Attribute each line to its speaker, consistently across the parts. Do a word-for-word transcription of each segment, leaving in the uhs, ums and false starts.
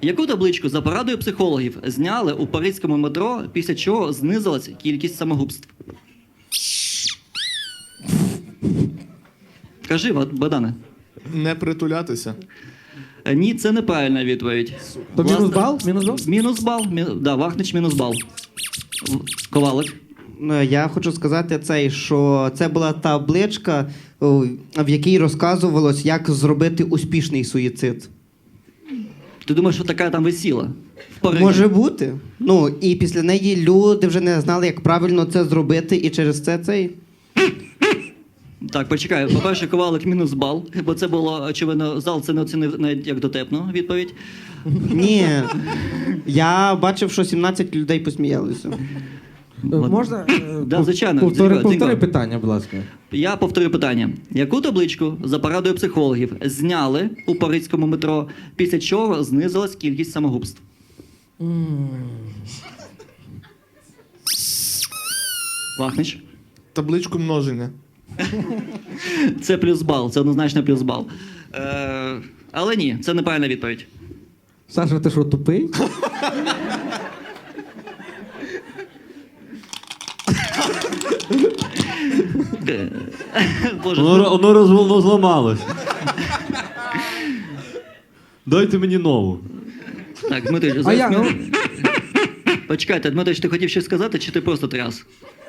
Speaker 1: Яку табличку за порадою психологів зняли у паризькому метро, після чого знизилась кількість самогубств? Кажи, Богдане.
Speaker 2: Не притулятися.
Speaker 1: Е, Ні, це неправильна відповідь.
Speaker 3: То
Speaker 1: Власне,
Speaker 3: мінус бал? Мінус бал?
Speaker 1: Мінус бал. Мі... Да, Вахнич мінус бал. В- Ковалик.
Speaker 4: Ну, я хочу сказати цей, що це була табличка, о, в якій розказувалось, як зробити успішний суїцид.
Speaker 1: Ти думаєш, що така там висіла? В Парижі?
Speaker 4: Може бути. Ну, і після неї люди вже не знали, як правильно це зробити, і через це цей.
Speaker 1: Так, почекай. По-перше, Ковалик мінус бал, бо це було, очевидно, зал це не оцінив навіть як дотепну відповідь.
Speaker 4: Ні. Я бачив, що сімнадцять людей посміялися.
Speaker 3: Е, Можна? е,
Speaker 1: Да,
Speaker 3: пов-
Speaker 1: звичайно.
Speaker 3: Повтори,
Speaker 1: Дзінько,
Speaker 3: повтори
Speaker 1: Дзінько.
Speaker 3: питання, будь ласка.
Speaker 1: Я повторю питання. Яку табличку за порадою психологів зняли у паризькому метро, після чого знизилась кількість самогубств? Вахнич.
Speaker 2: Табличку множення.
Speaker 1: Це плюс бал, це однозначно плюс бал. Е, але ні, це неправильна відповідь.
Speaker 3: Саша, ти що, тупий?
Speaker 1: Е, Боже,
Speaker 5: Воно, воно роз, воно зламалось. Дайте мені нову.
Speaker 1: так, Дмитрич,
Speaker 3: А
Speaker 1: зараз
Speaker 3: я,
Speaker 1: ми-
Speaker 3: ну,
Speaker 1: Почекайте, Дмитрич, ти хотів щось сказати, чи ти просто тряс?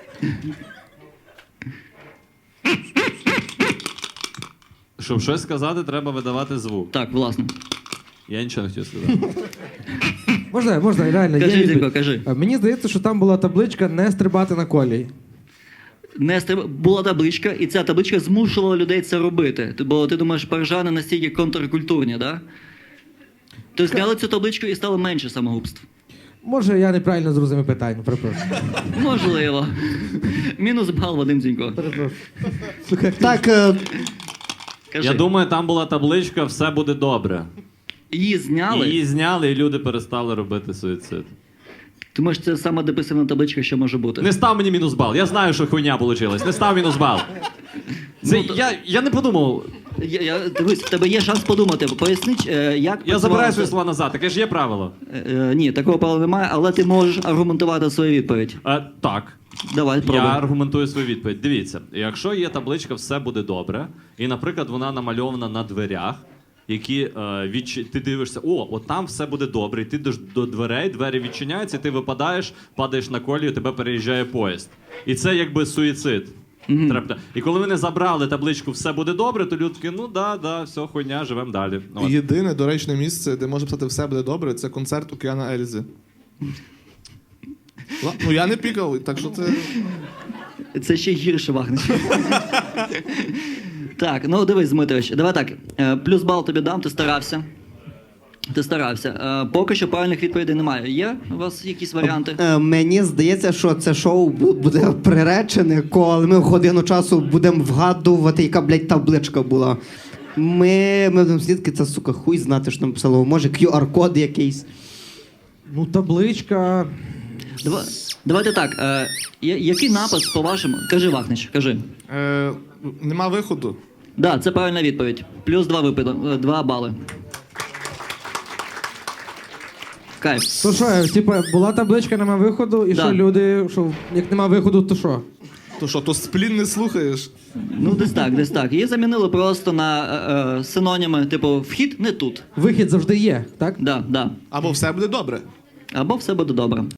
Speaker 5: Щоб щось сказати, треба видавати звук.
Speaker 1: Так, власне.
Speaker 5: Я нічого не хотів сказати.
Speaker 3: можна, можна, реально. є
Speaker 1: Кажи,
Speaker 3: відповідь.
Speaker 1: Зінько, кажи.
Speaker 3: Е, Мені здається, що там була табличка «Не стрибати на колії».
Speaker 1: Не стриб- була табличка, і ця табличка змушувала людей це робити. Ти- Бо ти думаєш, парижани настільки контркультурні, да? То зняли цю табличку і стало менше самогубств.
Speaker 3: Може, я неправильно зрозумів питання, перепрошую.
Speaker 1: Можливо. Мінус бал, Вадим Дзінько.
Speaker 3: Перепрошую. Слухай,
Speaker 4: Так, е,
Speaker 1: Кажи.
Speaker 5: Я думаю, там була табличка «Все буде добре».
Speaker 1: Її зняли.
Speaker 5: Її зняли, і люди перестали робити суїцид.
Speaker 1: Ти можеш, це сама депресивна табличка, що може бути.
Speaker 5: Не став мені мінус бал. Я знаю, що хуйня вийшла. Не став мінус бал. Це,
Speaker 1: Ну, то-
Speaker 5: я, я не подумав.
Speaker 1: Я, я, дивись, в тебе є шанс подумати. Поясни, е, як
Speaker 5: Я забираю
Speaker 1: працювала
Speaker 5: свої
Speaker 1: ця-
Speaker 5: слова назад. Таке ж є правило.
Speaker 1: Е, е, ні, такого права немає, але ти можеш аргументувати свою відповідь.
Speaker 5: Е, так.
Speaker 1: Давай,
Speaker 5: Я
Speaker 1: пробуй.
Speaker 5: аргументую свою відповідь. Дивіться, якщо є табличка «Все буде добре», і, наприклад, вона намальована на дверях, які е, відч... ти дивишся, о, от там все буде добре, і ти йдеш до дверей, двері відчиняються, і ти випадаєш, падаєш на колію, тебе переїжджає поїзд. І це якби суїцид.
Speaker 1: Мгм.
Speaker 5: Треба- І коли вони забрали табличку «Все буде добре», то люди такі, ну да, да, все, хуйня, живемо далі. От.
Speaker 2: Єдине доречне місце, де може писати все буде добре, це концерт Океана Ельзи. Ла- Ну я не пікав, так що це.
Speaker 1: Це ще гірше, Вахнич. Так, ну дивись, Дмитрович, давай так. е, Плюс бал тобі дам, ти старався. Ти старався. Е, Поки що правильних відповідей немає. Є у вас якісь варіанти?
Speaker 4: е, мені здається, що це шоу бу- буде приречене, коли ми в годину часу будемо вгадувати, яка, блядь, табличка була. Ми, ми будемо слідки, це, сука, хуй знати, що нам писало. Може, кю ар-код якийсь.
Speaker 3: ну табличка...
Speaker 1: Дава- Давайте так. е, я- Який напис, по-вашому? Кажи, Вахнич, кажи.
Speaker 2: Е, нема виходу.
Speaker 1: Да, це правильна відповідь. Плюс два випади, е, два бали. Кайф.
Speaker 3: То що, типа, була табличка, нема виходу, і
Speaker 1: Да.
Speaker 3: що люди, що як нема виходу, то що?
Speaker 2: То що, то сплін не слухаєш?
Speaker 1: Ну, десь так, десь так. Її замінили просто на е, е, синоніми, типу, вхід не тут.
Speaker 3: Вихід завжди є, так?
Speaker 1: Да, да.
Speaker 2: Або все буде добре.
Speaker 1: Або все буде добре.